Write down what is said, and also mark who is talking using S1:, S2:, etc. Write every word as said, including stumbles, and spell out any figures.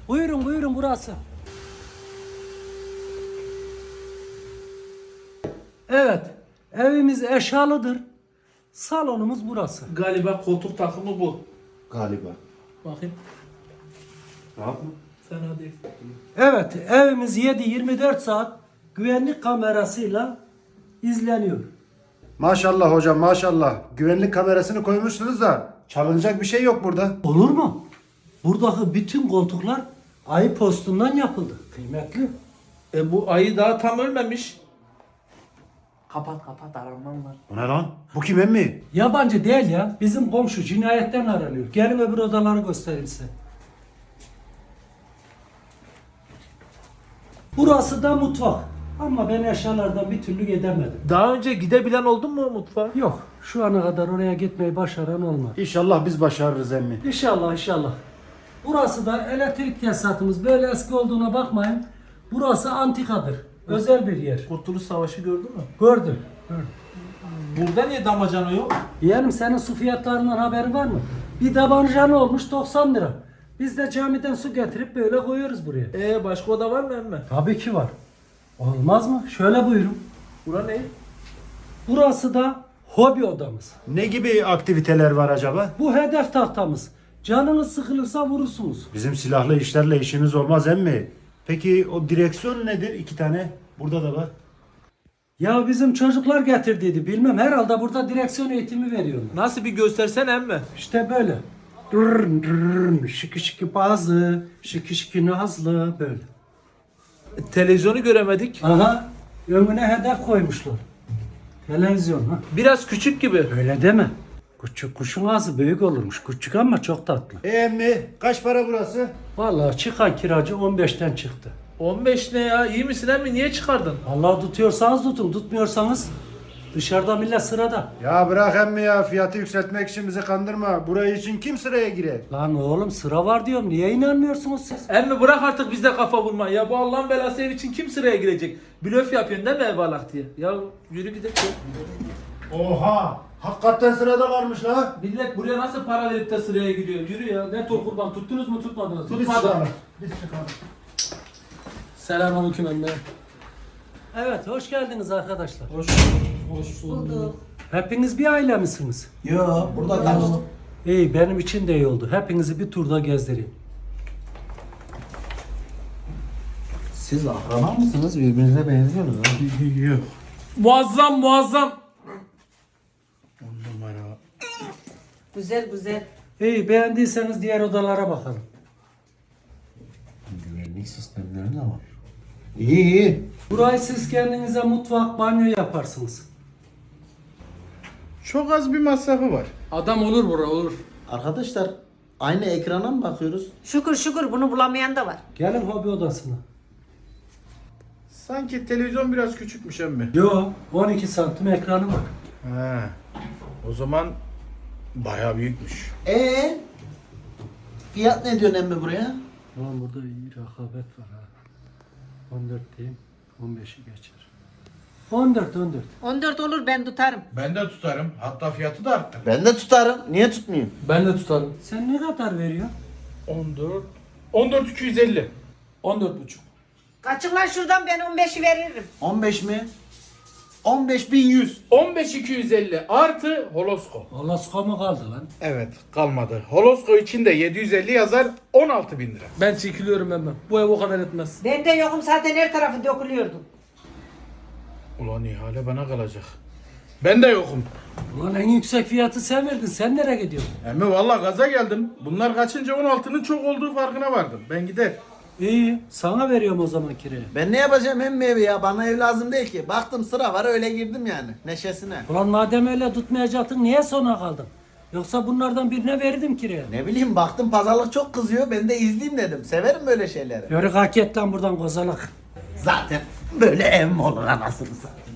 S1: Buyurun buyurun burası. Evet, evimiz eşyalıdır. Salonumuz burası.
S2: Galiba koltuk takımı bu.
S3: Galiba.
S2: Bakayım.
S3: Rahat mı?
S2: Fena değil.
S1: Evet, evimiz yedi yirmi dört saat güvenlik kamerasıyla izleniyor.
S3: Maşallah hocam maşallah. Güvenlik kamerasını koymuşsunuz da çalınacak bir şey yok burada.
S1: Olur mu? Buradaki bütün koltuklar ayı postundan yapıldı. Kıymetli.
S2: E bu ayı daha tam ölmemiş. Kapat kapat aramam var.
S3: Bu ne lan? Bu kim emmi?
S1: Yabancı değil ya. Bizim komşu cinayetten aranıyor. Gelin öbür odaları göstereyim size. Burası da mutfak. Ama ben eşyalardan bir türlü gidemedim.
S2: Daha önce gidebilen oldun mu mutfağa?
S1: Yok. Şu ana kadar oraya gitmeyi başaran olmadı.
S3: İnşallah biz başarırız emmi.
S1: İnşallah inşallah. Burası da elektrik tesisatımız. Böyle eski olduğuna bakmayın. Burası antikadır. Özel bir yer.
S2: Kurtuluş Savaşı gördün mü?
S1: Gördüm. Gördüm.
S2: Burada niye damacana yok?
S1: Yeğenim senin su fiyatlarından haberin var mı? Bir tabancanı olmuş doksan lira. Biz de camiden su getirip böyle koyuyoruz buraya.
S2: E başka oda var mı emme?
S1: Tabii ki var. Olmaz mı? Şöyle buyurun.
S2: Bura ne?
S1: Burası da hobi odamız.
S3: Ne gibi aktiviteler var acaba?
S1: Bu hedef tahtamız. Canınız sıkılırsa vurursunuz.
S3: Bizim silahlı işlerle işimiz olmaz emmi. Peki o direksiyon nedir? İki tane. Burada da var.
S1: Ya bizim çocuklar getirdiydi bilmem. Herhalde burada direksiyon eğitimi veriyorlar.
S2: Nasıl bir göstersen emme?
S1: İşte böyle. Dırrın dırrın, şıkı şıkı bazı, şıkı şıkı nazlı böyle.
S2: E, televizyonu göremedik.
S1: Aha, önüne hedef koymuşlar. Televizyon ha.
S2: Biraz küçük gibi.
S1: Öyle deme. Küçük kuşun ağzı büyük olurmuş. Küçük ama çok tatlı.
S3: E emmi kaç para burası?
S1: Vallahi çıkan kiracı on beşten çıktı.
S2: on beş ne ya? İyi misin emmi? Niye çıkardın?
S1: Allah tutuyorsanız tutun, tutmuyorsanız dışarıda millet sırada.
S3: Ya bırak emmi ya fiyatı yükseltmek için bizi kandırma. Burayı için kim sıraya girer?
S1: Lan oğlum sıra var diyorum. Niye inanmıyorsunuz siz?
S2: Emmi bırak artık bizde kafa vurma. Ya bu Allah'ın belası ev için kim sıraya girecek? Blöf yapıyorsun değil mi ev alak diye? Ya yürü gidelim.
S3: Oha! Hakikaten sırada varmış la.
S2: Millet buraya nasıl para verip de sıraya giriyor? Yürü ya. Ne tol kurban tuttunuz mu tutmadınız mı?
S3: Biz çıkalım. Biz çıkalım.
S1: Selamünaleyküm anne. Evet, hoş geldiniz arkadaşlar.
S2: Hoş Hoş
S4: Bulduk.
S1: Hepiniz bir aile misiniz?
S5: Yo, burada tanıştık.
S1: İyi, benim için de iyi oldu. Hepinizi bir turda gezdireyim.
S5: Siz akraba mısınız? Birbirinize benziyorsunuz ha?
S3: Yok.
S2: Muazzam muazzam.
S3: On numara.
S4: Güzel güzel.
S1: İyi, beğendiyseniz diğer odalara bakalım.
S5: Güvenlik sistemleri de var. İyi iyi.
S1: Burayı siz kendinize mutfak, banyo yaparsınız.
S6: Çok az bir masrafı var.
S2: Adam olur bura olur.
S5: Arkadaşlar aynı ekrana mı bakıyoruz?
S4: Şükür şükür bunu bulamayan da var.
S1: Gelin hobi odasına.
S6: Sanki televizyon biraz küçükmüş emmi.
S1: Yo, on iki santim ekranı var.
S6: Ha. O zaman bayağı büyükmüş.
S5: Ee, fiyat ne diyorsun emmi buraya?
S1: Ulan burada iyi rekabet var ha. on dört diyeyim, on beşi geçer. on dört, on dört.
S4: on dört olur ben tutarım.
S6: Ben de tutarım. Hatta fiyatı da arttır.
S5: Ben de tutarım. Niye tutmayayım?
S2: Ben de tutarım.
S1: Sen ne kadar veriyorsun?
S6: on dört. on dört iki yüz elli.
S2: on dört buçuk.
S4: Kaçın lan şuradan ben on beşi veririm.
S5: on beş mi? on beş bin yüz.
S6: on beş iki yüz elli artı holosko.
S1: Alaska mı kaldı lan?
S6: Evet kalmadı. Holosko için de yedi yüz elli yazar on altı bin lira.
S2: Ben çekiliyorum hemen. Bu ev o kadar etmez.
S4: Ben de yokum zaten her tarafı dökülüyordu.
S6: Ulan ihale bana kalacak. Ben de yokum.
S1: Ulan en yüksek fiyatı sen verdin. Sen nereye gidiyorsun?
S6: Emmi valla gaza geldim. Bunlar kaçınca on altının çok olduğu farkına vardım. Ben gider.
S1: İyi, sana veriyorum o zaman kiraya.
S5: Ben ne yapacağım emmi evi ya? Bana ev lazım değil ki. Baktım sıra var öyle girdim yani. Neşesine.
S1: Ulan madem öyle tutmayacaktın niye sona kaldın? Yoksa bunlardan birine verdim kiraya.
S5: Ne bileyim baktım pazarlık çok kızıyor. Ben de izleyeyim dedim. Severim böyle şeyleri.
S1: Yörük hak et lan buradan kozalak.
S5: Zaten böyle ev mi olur anasını satayım?